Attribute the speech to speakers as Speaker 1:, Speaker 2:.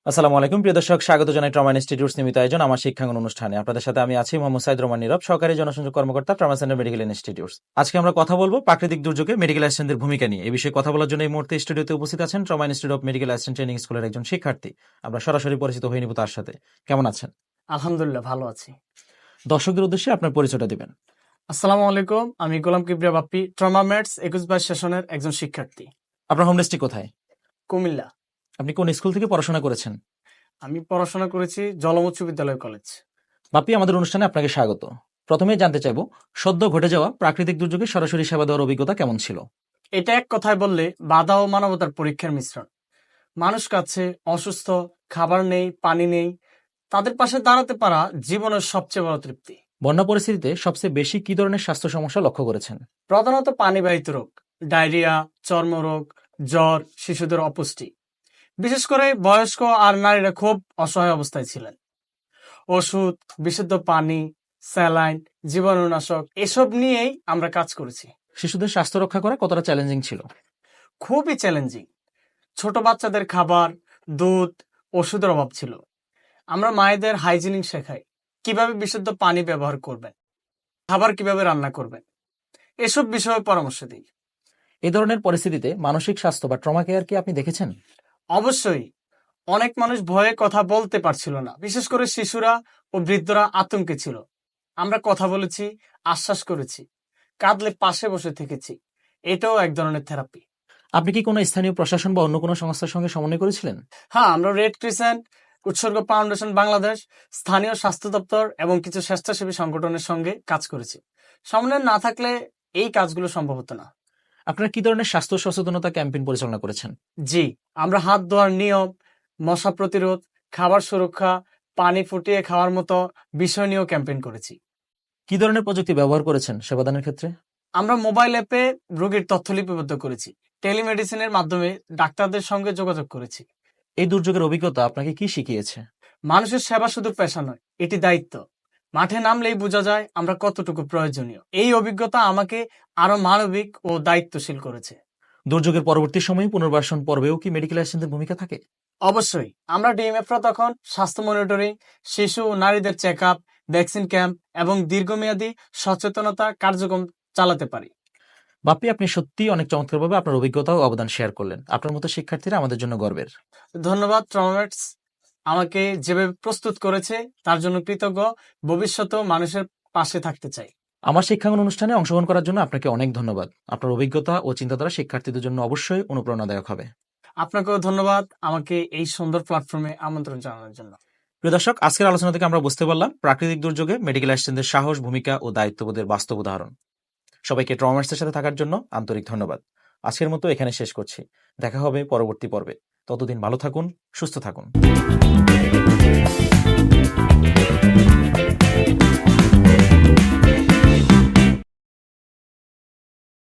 Speaker 1: আসসালামু আলাইকুম প্রিয় দর্শক, স্বাগত জানাই ট্রমা ইনস্টিটিউটস নিয়মিত আয়োজন আমার শিক্ষাঙ্গন অনুষ্ঠানে। আপনাদের সাথে আমি আছি মোহাম্মদ সাইদ রহমান নীরব, সহকারী জনসংযোগ কর্মকর্তা, ট্রমা সেন্টার মেডিকেল ইনস্টিটিউটস। আজকে আমরা কথা বলবো প্রাকৃতিক দুর্যোগে মেডিকেল অ্যাসিস্ট্যান্টদের ভূমিকা নিয়ে। এই বিষয়ে কথা বলার জন্য এই মুহূর্তে স্টুডিওতে উপস্থিত আছেন trauma institute of medical assistant training স্কুলের একজন শিক্ষার্থী। আমরা সরাসরি পরিচিত হয়ে নিব তার সাথে। কেমন আছেন?
Speaker 2: আলহামদুলিল্লাহ, ভালো আছি।
Speaker 1: দর্শকদের উদ্দেশ্যে আপনার পরিচয়টা দিবেন।
Speaker 2: আসসালামু আলাইকুম, আমি গোলাম কিবরিয়া বাপ্পি, ট্রমা ম্যাটস 21/22 সেশনের একজন শিক্ষার্থী।
Speaker 1: আপনার হোম ডিস্ট্রিক্ট কোথায়?
Speaker 2: কুমিল্লা।
Speaker 1: আপনি কোন স্কুল থেকে পড়াশোনা করেছেন?
Speaker 2: আমি পড়াশোনা করেছি জলম উচ্চ বিদ্যালয় কলেজ।
Speaker 1: বাপি, আমাদের অনুষ্ঠানে আপনাকে স্বাগত। প্রথমেই জানতে চাইবো, সদ্য ঘটে যাওয়া প্রাকৃতিক দুর্যোগে সরাসরি সেবা দেওয়ার অভিজ্ঞতা কেমন ছিল?
Speaker 2: এটা এক কথায় বললে বাধা ও মানবতার পরীক্ষার মিশ্রণ। মানুষ কাছে অসুস্থ, খাবার নেই, পানি নেই, তাদের পাশে দাঁড়াতে পারা জীবনের সবচেয়ে বড় তৃপ্তি।
Speaker 1: বন্যা পরিস্থিতিতে সবচেয়ে বেশি কি ধরনের স্বাস্থ্য সমস্যা লক্ষ্য করেছেন?
Speaker 2: প্রধানত পানিবাহিত রোগ, ডায়রিয়া, চর্মরোগ, জ্বর, শিশুদের অপুষ্টি। বিশেষ করে বয়স্ক আর নারীরা খুব অসহায় অবস্থায় ছিলেন। ওষুধ, বিশুদ্ধ পানি, স্যালাইন, জীবাণুনাশক এসব নিয়েই আমরা কাজ করেছি।
Speaker 1: শিশুদের স্বাস্থ্য রক্ষা করা কতটা চ্যালেঞ্জিং ছিল?
Speaker 2: খুবই চ্যালেঞ্জিং। ছোট বাচ্চাদের খাবার, দুধ, ওষুধের অভাব ছিল। আমরা মায়েদের হাইজিনিং শেখাই, কিভাবে বিশুদ্ধ পানি ব্যবহার করবেন, খাবার কিভাবে রান্না করবেন, এসব বিষয়ে পরামর্শ দিই।
Speaker 1: এই ধরনের পরিস্থিতিতে মানসিক স্বাস্থ্য বা ট্রমা কেয়ার কি আপনি দেখেছেন?
Speaker 2: অবশ্যই। অনেক মানুষ ভয়ে কথা বলতে পারছিল না, বিশেষ করে শিশুরা ও বৃদ্ধরা আতঙ্কে ছিল। আমরা কথা বলেছি, আশ্বাস করেছি, কাঁদলে পাশে বসে থেকেছি। এটাও এক ধরনের থেরাপি।
Speaker 1: আপনি কি কোনো স্থানীয় প্রশাসন বা অন্য কোনো সংস্থার সঙ্গে সমন্বয় করেছিলেন?
Speaker 2: হ্যাঁ, আমরা red crescent, Utsargo foundation Bangladesh, স্থানীয় স্বাস্থ্য দপ্তর এবং কিছু স্বেচ্ছাসেবী সংগঠনের সঙ্গে কাজ করেছি। সমন্বয় না থাকলে এই কাজগুলো সম্ভব হতো না।
Speaker 1: আপনারা কি ধরনের স্বাস্থ্য সচেতনতা ক্যাম্পেইন পরিচালনা করেছেন?
Speaker 2: জি, আমরা হাত ধোয়ার নিয়ম, মশা প্রতিরোধ, খাবার সুরক্ষা, পানি ফুটিয়ে খাওয়ার মতো বিষয় নিয়েও ক্যাম্পেইন করেছি।
Speaker 1: কি ধরনের প্রযুক্তি ব্যবহার করেছেন সেবাদানের ক্ষেত্রে?
Speaker 2: আমরা মোবাইল অ্যাপে রোগীর তথ্য লিপিবদ্ধ করেছি, টেলিমেডিসিনের মাধ্যমে ডাক্তারদের সঙ্গে যোগাযোগ করেছি।
Speaker 1: এই দুর্যোগের অভিজ্ঞতা আপনাকে কি শিখিয়েছে?
Speaker 2: মানুষের সেবা শুধু পেশা নয়, এটি দায়িত্ব। মাঠে নামলেই বোঝা যায় আমরা কতটুকু প্রয়োজনীয়। এই অভিজ্ঞতা আমাকে আরো মানবিক ও দায়িত্বশীল করেছে।
Speaker 1: দুর্যোগের পরবর্তী সময়ে পুনর্বাসন পর্বেও কি মেডিকেল অ্যাসিস্ট্যান্টদের ভূমিকা থাকে?
Speaker 2: অবশ্যই। আমরা ডিএমএফরা তখন স্বাস্থ্য মনিটরিং, শিশু ও নারীদের চেক আপ, ভ্যাকসিন ক্যাম্প এবং দীর্ঘমেয়াদী সচেতনতা কার্যক্রম চালাতে পারি।
Speaker 1: বাপি, আপনি সত্যিই অনেক চমৎকারভাবে আপনার অভিজ্ঞতা ও অবদান শেয়ার করলেন। আপনার মতো শিক্ষার্থীরা আমাদের জন্য গর্বের।
Speaker 2: ধন্যবাদ ট্রমামেটস, আমাকে যেভাবে প্রস্তুত করেছে তার জন্য কৃতজ্ঞ। ভবিষ্যতেও মানুষের পাশে থাকতে চাই।
Speaker 1: আমার শিক্ষাঙ্গন অনুষ্ঠানে অংশগ্রহণ করার জন্য আপনাকে অনেক ধন্যবাদ। আপনার অভিজ্ঞতা ও চিন্তাধারা শিক্ষার্থীদের জন্য অবশ্যই অনুপ্রেরণাদায়ক হবে।
Speaker 2: আপনাকেও ধন্যবাদ আমাকে এই সুন্দর প্ল্যাটফর্মে আমন্ত্রণ জানানোর জন্য।
Speaker 1: প্রিয় দর্শক, আজকের আলোচনা থেকে আমরা বুঝতে পারলাম প্রাকৃতিক দুর্যোগে মেডিকেল অ্যাসিস্ট্যান্টদের সাহস, ভূমিকা ও দায়িত্ববোধের বাস্তব উদাহরণ। সবাইকে ট্রমার্সের সাথে থাকার জন্য আন্তরিক ধন্যবাদ। আজকের মতো এখানে শেষ করছি। দেখা হবে পরবর্তী পর্বে। ততদিন ভালো থাকুন, সুস্থ থাকুন।